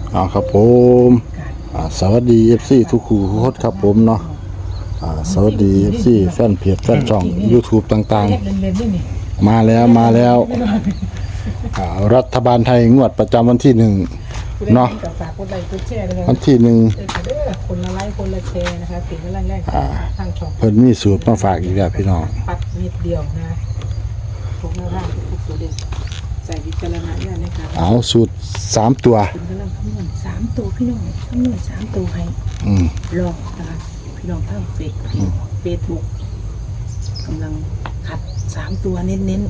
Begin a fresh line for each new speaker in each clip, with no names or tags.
ครับผมสวัสดี FC ทุกคู่ทุกคนครับผมเนาะสวัสดี FC แฟนเพจแฟนช่อง YouTube ต่างๆมาแล้วรัฐบาลไทยงวดประจำวันที่1เนาะวันที่1
คนละไลค์คนละแชร์นะคะติดแรกๆทางช่อง
เพิ่นมีสูตรมาฝากอีกแล้วพี่น้อง
ปัดนิดเดียวนะพวกหน้าร่างทุกตัวเด่นใส่วิจารณญาณนะคะ
เอาสูตร3ตัว
คุณกำลังคำนวณ3ตัวพี่น้องคำนวณ3ตัวให้ลองนะคะพี่น้องทางเฟซบุ๊กกำลังขัด3ตัวเน้น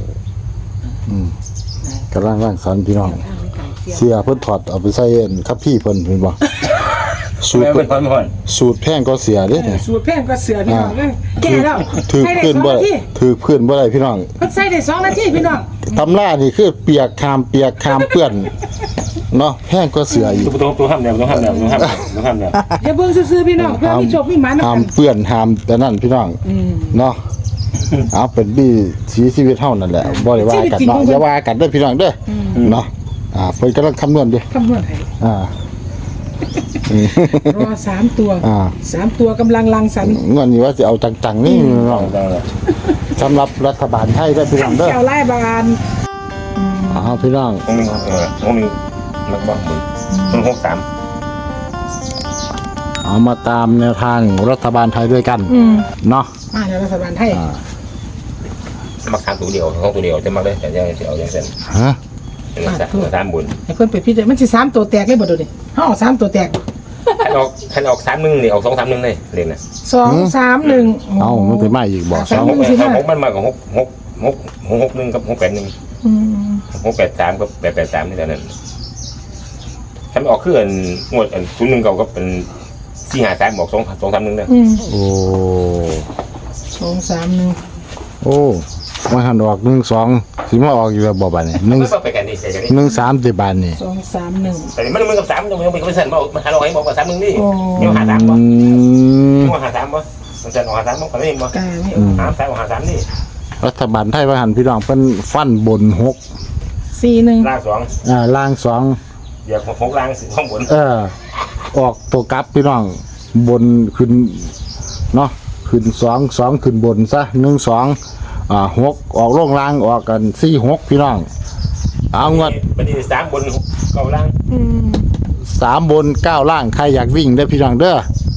กำลังร่างสรรค์พี่น้องเสียเพิ่นถอดเอาไปใส่คัพพี่เพิ่นเห็นบ่สูตรแพงก็เสียเด้เนี่ย
สูตรแพงก็เสือพี่น้องเลยแก่แล้ว
ถือเพื่อนบ่ได้พี่น้อง
ใส่ได้2 นาทีพี่น้อง
ตำรานี่คือเปียกคามเปื้อนเนาะแพงก็เสืออีก
ตัวห้ามแล้ว
อย่าเบิ่งซื่อๆพี่น้องเพื่อมีโชคมีหมานะ
ห้ามเปื้อนห้ามแต่นั่นพี่น้องเนาะเอาเป็นบี้สีชีวิตเฮานั่นแหละบ่ได้ว่ากันเนาะอย่าว่ากันเด้อพี่น้องเด้อเนาะเพิ่นกำลังคำนวณอยู่
คำนวณให้รอ3ตัว3ตัวกำลังรังสรรค์
งวดนี้ว่าสิเอาจังๆนี่น้องสำหรับรัฐบาลไทยได้พี่น้องเด้อ
แก้วไล่บาน
พี่น้อง
ห้องนึงนักบ้างมัน63
เอามาตามแนวทางรัฐบาลไทยด้วยกันเนาะ
เดี๋ยวรัฐบาลไทย
มัก3ตัวเดียวห้องตัวเดียวจะมักได้แต่ยังสิเอาจังซั่น
ฮะ
3บุญ
ให้เพิ่นไปพิจารณามันสิ3ตัวแตกเลยบ่ดูดิเฮา3ตัวแตก
คันออก31นี่ออก231เลยเล่นน่ะ
2 3 1
มันสิมาอีกบ่
2มันมากับ661กับ683กับ883นี่เท่านั้นถ้าออกคืออันงวดอัน01ก็เป็น453บอก231เด้อ
โอ้
231
โอ้มาหันออก12สิมาออกอยู่แล้วบ่บัดนี้13สิบาทนี่
231
แต่มันกับ3ยังไม่สั่นบ่มันหาเราให้บอกว่า31นี่ยังหา3บ่ยังหา3บ่มันจะหา3บ่กันได้บ่53นี่
รัฐบาลไทยว่าหันพี่น้องเพิ่นฟันบน
641
ล่าง2
ล่าง2
เดี๋ยว6ล่างข้างบน
ออกตัวกลับพี่น้องบนขึ้นเนาะขึ้น2ขึ้นบนซะ1 2 6ออกลงล่างออกกัน4 6พี่น้องเอางวด
บัดนี้3บน9ล่าง
3บน9ล่างใครอยากวิ่งได้พี่น้องเด้อ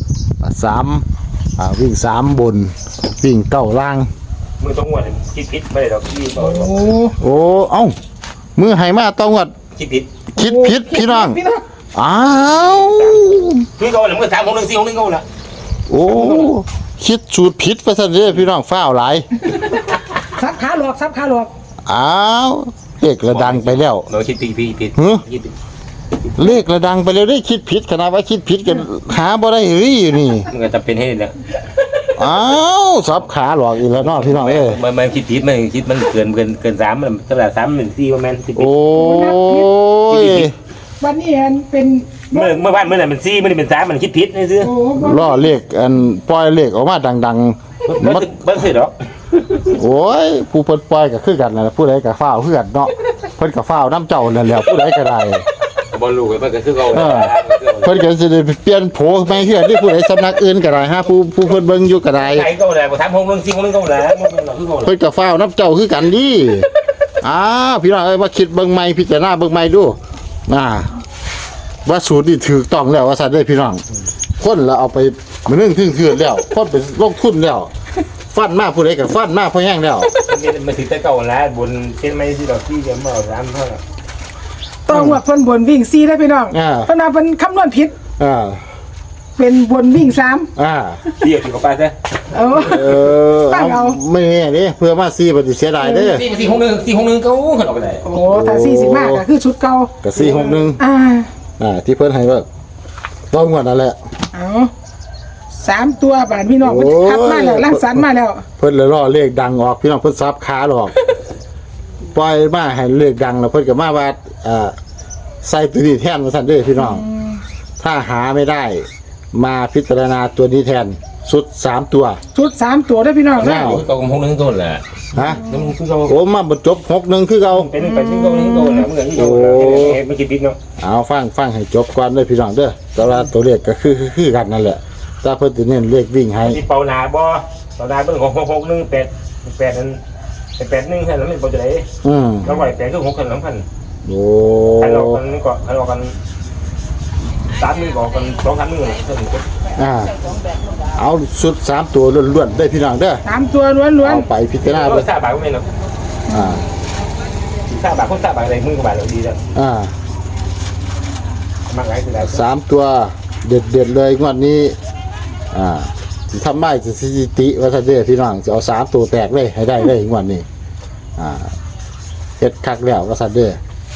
3วิ่ง3บนวิ่ง9ล่าง
มือต้องงวดคิดผิดไม่ได้ดอกที่
โอ้เอ้ามือให้มาต้องงวด
คิดผิด
พี่น้องอ้าว
คือเขาเลยมือ3 6 1 4 6 1เขาล่ะ
โอ้คิดสูตรผิดไปซะเด้อพี่น้องฟ้าวหลาย
ซับขาหลอก
อ้าวเลขระดังไปแล้ว
เราคิดผิด
เลขระดังไปแล้วได้คิดผิดขนาดว่าคิดผิดกันหาบ่ได้รี่นี่
มันก็จะเป็นให้แล้ว
อ้าวซับขาหลอกอีกแล้วเนาะพี่น้อง
มันคิดผิดมันคิดมันเกิน3มันเท่าไหร่3เป็น4ประมาณ10
โอ้ย
วันนี้เป็น
เมื่อวานนั้นเป็น4มันเป็น3มันคิดผิดนี่ซื่อ
ล้อเลขอันปล่อยเลขออกมาดังๆ
บ่สิดอก
โอ้ยผู้เพิ่นปล่อยก็คือกันนั่นแหละผู้ใดก็ฟ้าวคือกันเนาะเพิ่นก็ฟ้าวน้ำเจ้านั่นแหละผู้ใดก็ได้
บ่รู้มันก็คือเก่า
เพิ่นก็สิได้เปลี่ยนโผใหม่คือที่ผู้ใดสำนักอื่นก็ได้ฮะผู้เพิ่นเบิ่งอยู่ก็ได้
ไอ้เก่าแหละบ่3 6 1 4 6 1เก่าแหละ
เพิ่นก็ฟ้าวน้ำเจ้าคือกันดิพี่น้องเอ้ยมาคิดเบิ่งใหม่พิจารณาเบิ่งใหม่ดูว่าสูตรนี่ถูกต้องแล้วว่าซั่นเด้อพี่น้องคนละเอาไปมื้อนึงถึงคืนแล้วคนไปลงทุนแล้วฟันมาผู้ใดก็ฟันมาพอแห้งแล้ว
มันสิแต่เก่าแล้วบนเป็นไม่สิดอกที่จะมาเอา3เท่า
ต้องว่าเพิ่นบนวิ่ง4ได้พี่น้องเพิ่นว่าเพิ่นคำนวณผิดเป็นบนวิ่ง3
เดี๋ยวสิเข้าไปซะ
ตั้งเอา
ไม่แน่เด้เพื่อมา4บ่สิเสียดายเด้
461เก่าขึ้นออกไปได้
โอ้ถ้า45ก็คือชุดเก่า
ก็461ที่เพิ่นให้ว่าต้องงวดนั่นแหละ
3ตัวบาทพี่น้องเพิ่นคัดมาแล้วรังสรรค์มาแล้ว
เพิ่นเลยรอเลขดังออกพี่น้องเพิ่นซับขาหรอกปล่อยมาให้เลขดังแล้วเพิ่นก็มาว่าใส่ตัวนี้แทนว่าซั่นเด้อพี่น้องถ้าหาไม่ได้มาพิจารณาตัวนี้แทนชุด3ตัว
เด้อพี่น้อง
นะคือเก่าของ6 1ต้นแหละ
ฮะโอ้มาบ่จบ6 1คือเก่า
เป็นไปซึ่งเก่า1ต้นแหละเหมือนที่เก่ามันคิดผิดเนาะ
เอาฟังให้จบก่อนเด้อพี่น้องเด้อแต่ว่าตัวเลขก็คือกันนั่นแหละถ้าเพิ่นสิเน้นเลขวิ่งให้
ที่เป่านาบ่เป่านาเบิ่งของ661 นั้น81แค่นั้นมันบ่จะได้ แล้วไหวแต่คือ6คัน2คัน
โอ้
คันออกกันก็คันออกกัน3มื้อก็กัน2-3มื้อเท่านี้
เอาชุด3ตัวล้วนๆได้พี่น้องเด้อ
3ตัวล้วน
เอาไปพิจารณา
เอ
เบิ่
อง ทราบบาทก็ไม่เนาะ
อ่า
ทราบบาทคนทราบบาทอะไรมึงก็บาทเราดีแล้ว มากหลายคือหลาย
3ตัวเด็ดเลยงวดนี้สิทำได้สถิติว่าซั่นเด้อพี่น้องจะเอา3ตัวแตกเลยให้ได้เลยงวดนี้เฮ็ดคักแล้วว่าซั่นเด้อ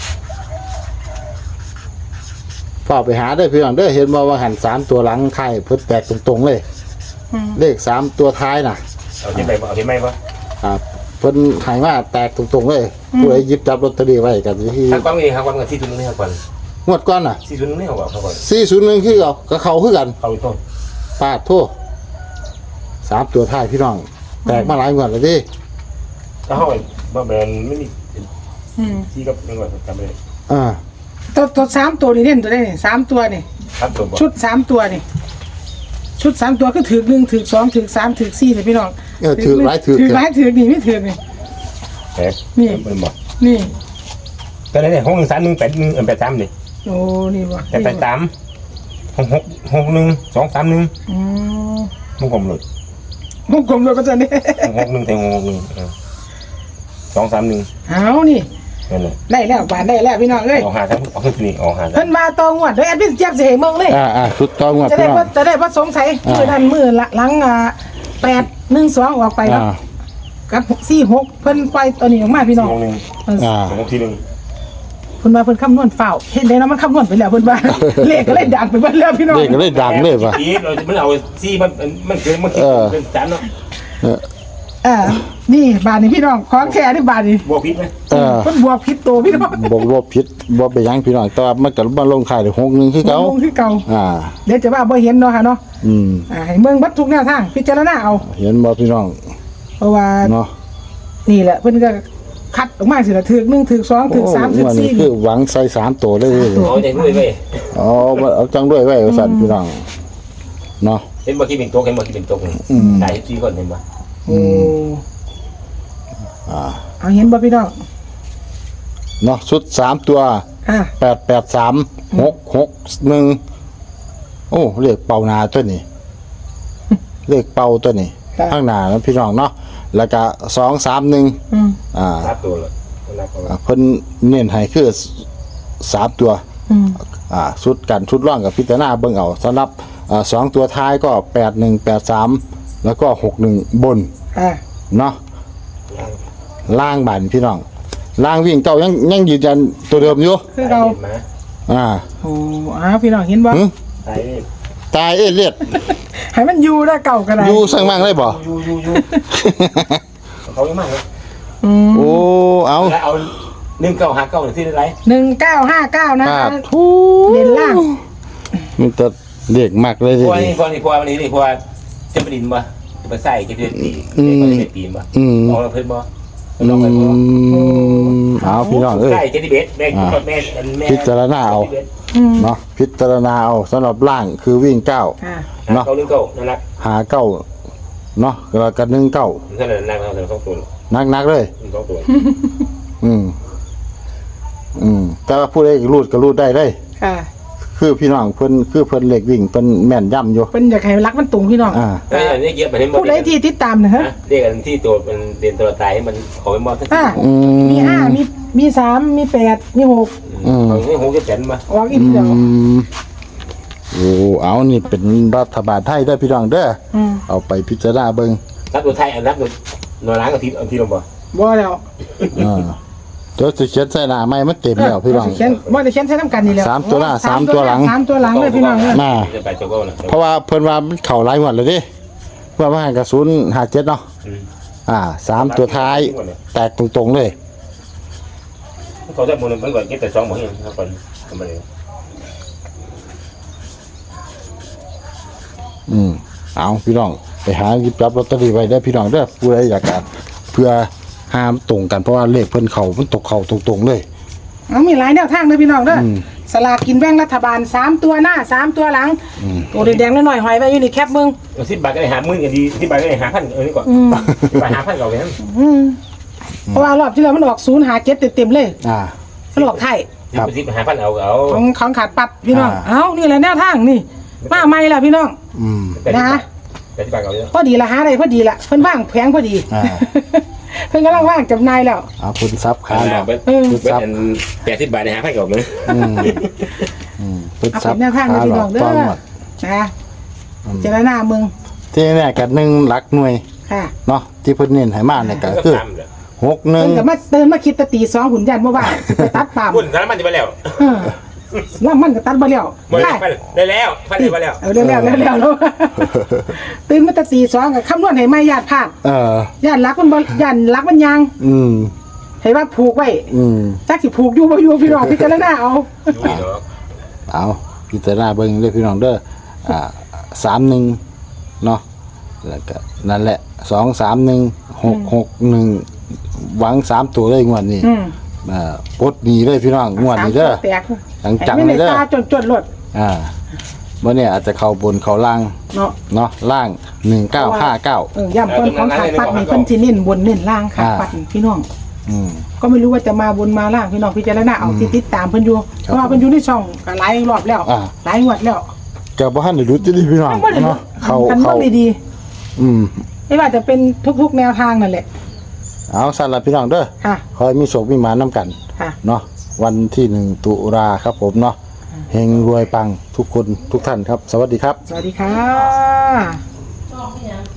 ฝากไปหาได้อพี่น้องเด้อเห็นบ่ว่าหัน3ตัวหลังไทยเพิ่นแตกตรงๆเลยเลข3ตัวท้ายน่ะ
เอาที่ไหนบ่เอาที่ไหนบ่
เพิ่นให้มาแตกตรงๆเลยผู้ใดหยิบจับลอตเตอรี่ไว้ก็สิที่
ทางกว้างนี่ครับกว้างกันที่ทุนนี่ครับก่อน
งวดก่อนน่ะ
ที่ทุนนี่เขาบอกเขาก่อน
401คือเอาก็เข้าคือกัน
เขาอีกต้น
ปาดโทษ3ตัวท้ายพี่น้อง แตกมาหลายงวดแล้วดิ
ถ้าเขาบ่แม่นไม่มี
ๆ
ที่กับนึงว่าจำไม่ได้
ตัว3ตัวนี่เล่นตัวได้นี่3ตัวนี่
ครับตัวบ่
ชุด3ตัวนี่ชุด3ตัวก็ถือ1ถือ2ถือ3ถือ4เลยพี่น้อง
ถือหลายถือ
ถือหลายถือนี่ไม่ถือนี่
เอ๊ะ
นี่
มันบ่
นี่
แต่เนี่ย6131883นี่
โอ้นี่บ่
แต่83 661 231
อืม
มันกลมเลย
วงกลมเลยก็จะนี่
661แต่661 231
เอานี่
นั่นแหละ
ได้แล้วบานได้แล้วพี่น้องเอ้ย
ออกหาทั้งออกขึ้นนี่ออกหา
เพิ่นมาตองวดโดยแอดมินเจี๊ยบสิให้เมืองเลย
ชุดต่องวด
จะ
พี่
ได้
น้อง
ว่าจะได้ว่าสงสัยมือนั้นมือหลัง812ออกไปครับกับ46เพิ่นปล่อยตัวนี้ออกมาพี่น้อง
6ที่นึง
เพิ่นว่าเพิ่นคำนวณเฝ้าเห็นได้เนาะมันคำนวณไปแล้วเพิ่นว่า เลขก็เลยดังไปเบิดแล้วพี่น้อง
เลขก็เลยดังเลยว่ะ
อีเรามันเอาซี่มันคือมันคิดเป็นจานเนาะ
นี่บาทนี่พี่น้องของแท้นี่บาทนี่
บวกพิษไหม
เพิ่นบวกผิดตัวพี่น้อง
บ่ผิดบ่ไปหยังพี่น้องแต่ว่ามันก็มาลงขายได้61คือเก่า
ลงคือเก่า
อ่า
เดี๋ยวจะว่าบ่เห็นเนาะค่ะเนาะให้เมืองบัดทุกแนวทางพิจารณาเอา
เห็นบ่พี่น้อง
เพราะว่า
เนาะ
นี่แหละเพิ่นก็คัดออกมาสิละถึก1ถึก2ถึก3ถึก
วันนี้
4
คือหวังใส่3ตัวเลย
เอาใจด้วยเว้ย
เอาจังด้วยไว้ว่าซั่นพี่น้องเนาะ
เห็นบ่คิดเป็นโต๊ะเห็นบ่คิดเป็นโต๊ะได้ที่คนเห็นบ่
โอ้
อ่า
เอาเห็นบ่พี่น้อง
เนาะชุด3ตัว
ค่ะ
883 661โอ้เลขเป่านาตัวนี้ เลขเป่าตัวนี้ข้างหน้านะพี่น้องเนาะแล้วก็231
รับตัวเลยรับตัว
เพิ่นเน้นให้คือ3ตัวชุดกันชุดร่องกับพิจารณาเบิ่งเอาสำหรับ2ตัวท้ายก็8183แล้วก็61บนเนาะล่างบันพี่น้องล่างวิ่งเก่ายังยืนยันตัวเดิมอยู่
คือเรา โอ้พี่น้องเห็นบ่
ตายเลียด
ให้มันอยู่ได้เก่าก็ได้
อยู่สั่งมั่งเลยบ่
อยู่เขาเยอะมากเลย
โอ้เอา
แล้วเอา1959ที่ได้ไร
1959นะ
ทู
เด่นล่าง
มันจะเด็กมากเลย
พววันนี้พวจะไปดินบ่จะไปใส่จะไปตีจะตีบ่ลองเพิ่นบ่ลองเพิ่นบ่
เอาพี่น้องเอ้ย
ใช่จะดิเบสแม่
พิจารณาเอาเนาะพิจารณาเอาสำหรับล่างคือวิ่ง9เนาะ
เก้านั่นแหละ
หา9เนาะแล้วก็19
นั่นแหละนั่งเรา2ตัว
นักเลย
2ตัว
แต่ว่าผู้ใดรูดก็รูดได้เลย
ค่ะ
คือพี่น้องเพิ่นเล็กวิ่งเพิ่นแม่นย่ำอยู่
เพิ่นอยากให้รักมันตรงพี่น้อง
อันนี้เยอะไปให้หมด
ผู้ใดที่ติดตามนะฮะ
เรียกกันที่ตัวมันเรียนตัวตายให้มันขอไปมอดสักที
มี5มี3มี8มี6
เอาให้6จะแสนมา
ออกอีกเดียว
โอ้เอานี่เป็นรัฐบาลไทยเด้อพี่น้องเด้อเอาไปพิจารณาเบิ่ง
รับตัวไทยอันรับตัวหน่วยล้างกับทีลงบ่
บ่แล้ว
เดี๋ยวสิเขียนใส่หน้าไม้มันเต็มแล้วพี่น้อง
เขียนบ่ได้เขียนใช้น้ำกันนี่แล้ว
3ตัวหน้า3ตัวหลัง
3ตัวหลังเลยพี่น้องเอ้ย
มา
จะไปโจโก้นะ
เพราะว่าเพิ่นว่ามันเข้าหลายงวดแล้วเด้ว่ามากับ057เนาะ3ตัวท้ายแตกตรงๆเลย
เขาจะมูลมันก่อนเก็บแต่2บ่เห็นครับก่อนทำไปเลย
เอาพี่น้องไปหาหยิบจับลอตเตอรี่ไว้ได้อพี่น้องเด้อผู้ใดอยากจะเพื่อห้ามตรงกันเพราะว่าเลขเพิ่นเข้ามันตกเข้าตรงๆเลย
เอามีหลายแนวทางเด้อพี่น้องเด้อสลากกินแบ่งรัฐบาล3ตัวหน้า3ตัวหลังตัวแดงๆหน่อยๆหอยไว้อยู่นี่แคบมึง
10 บาทก็ได้หา10,000ก็ดี10 บาทก็ได้หาพันนี่ก่อน10 บาทหาพันก่อนเลยนั่น
เพราะว่ารอบที่แล้วมันออก057เต็มๆเลย มันออกไทย
10หาพันเอา
ของขาดปัดพี่น้องเอ้านี่แหละแนวทางนี่มาใหม่แล้วพี่น้องนะ
10 บาทเอาเลย
พอดีละหาได้พอดีละเพิ่นว่างแผงพอดีเพิ่นกำลังว่างจำหน่ายแล้ว
คุณซับขาดอก
คุณซับ80 บาทได้หาพันก่อนเลย
คุณ
เอา
ซับ
เป็นแนวทางเลยพี่น้องเด้อนะเจรนามึง
ที่เนี่ยกัน1หลักหน่วย
ค่ะ
เนาะที่เพิ่นเน้นให้มาเนี่ยก็คือ
เพิ่นก็มาเตือนมาคิดตะตี2หุ่นยันบ่ว่าไปตัดปาม
คุณแล้วมันจะไปแล้ว
แล้วมันก็ตัดบ่แล้ว
ได้แล้วพันได้ไปแล้ว
แล้วแล้วตื่นมาตะตี2ก็คำนวณให้ไม่ญาติพลาดญาติรักมันบ่ญาติรักมันยังให้ว่าผูกไว้จักสิผูกอยู่บ่อยู่พี่น้องพิจารณาเอา
พิจารณาเบิ่งเด้อพี่น้องเด้อ31เนาะแล้วก็นั่นแหละ231 661หวัง3ตัวเลยงวดนี้ปลดหนีเลยพี่น้องงวดนี้เด้อจังๆเลยเด้อ
จนรถ
บ่เนี่ยอาจจะเข้าบนเข้าล่างเนาะล่าง1959
ย้ำคนของขาดปัดนี่เพิ่นสิเน้นบนเน้นล่างขาดปัดพี่น้องก็ไม่รู้ว่าจะมาบนมาล่างพี่น้องพิจารณาเอาที่ติดตามเพิ่นอยู่เพราะว่าเพิ่นอยู่ในช่องก็หลายรอบแล้วหลายงวดแล้ว
ก็บ่ทันได้รู้จิพี่น้องเนาะ
เขาดีๆไม่ว่าจะเป็นทุกๆแนวทางนั่นแหละ
เอาสั่นละพี่น้องเด้อขอให้มีโชคมีหมานำกันเนาะวันที่1ตุลาครับผมเนาะเฮงรวยปังทุกคนทุกท่านครับสวัสดีครับ
สวัสดีค่ะ